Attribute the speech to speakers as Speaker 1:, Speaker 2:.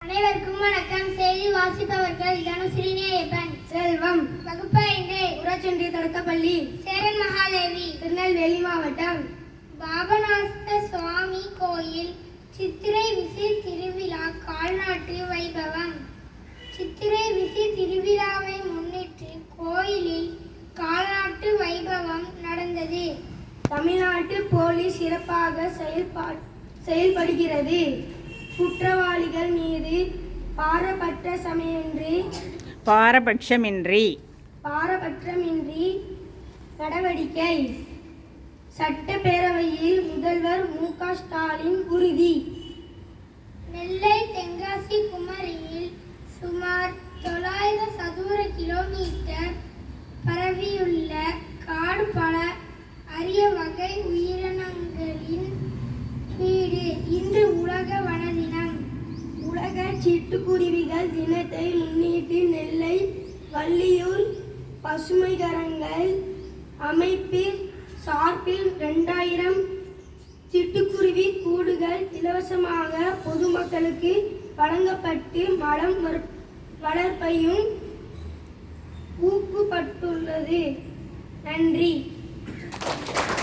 Speaker 1: அனைவருக்கும் வணக்கம். செய்தி வாசிப்பவர்கள் தனுஸ்ரீனியப்பன்,
Speaker 2: செல்வம்.
Speaker 1: வகுப்பு 5,
Speaker 2: ஊராட்சி தொடக்கப்பள்ளி,
Speaker 1: சேரன் மகாதேவி,
Speaker 2: திருநெல்வேலி மாவட்டம்.
Speaker 1: பாபநாச சுவாமி கோயில் சித்திரை விசி திருவிழா கால்நாட்டு வைபவம். சித்திரை விசி திருவிழாவை முன்னிட்டு கோயிலில் கால்நாட்டு வைபவம் நடந்தது.
Speaker 2: தமிழ்நாட்டு போலீஸ் சிறப்பாக செயல்படுகிறது. குற்றவாளிகள் மீது பாரபட்சமின்றி நடவடிக்கை. சட்டப்பேரவையில் முதல்வர் மு.க. ஸ்டாலின் உறுதி.
Speaker 1: நெல்லை தென்காசி குமரியில் சுமார் 900 சதுர கிலோமீட்டர் பரவியுள்ள காடு பல அரிய வகை உயிரினங்களின் வீடு. இன்று உலக வன தினம்.
Speaker 2: உலக சிட்டுக்குருவிகள் தினத்தை முன்னிட்டு நெல்லை வள்ளியூர் பசுமைக்கரங்கள் அமைப்பு சார்பில் 2000 சிட்டுக்குருவி கூடுகள் இலவசமாக பொதுமக்களுக்கு வழங்கப்பட்டு மரம் வளர்ப்பையும் ஊக்குவிக்கப்பட்டுள்ளது. நன்றி.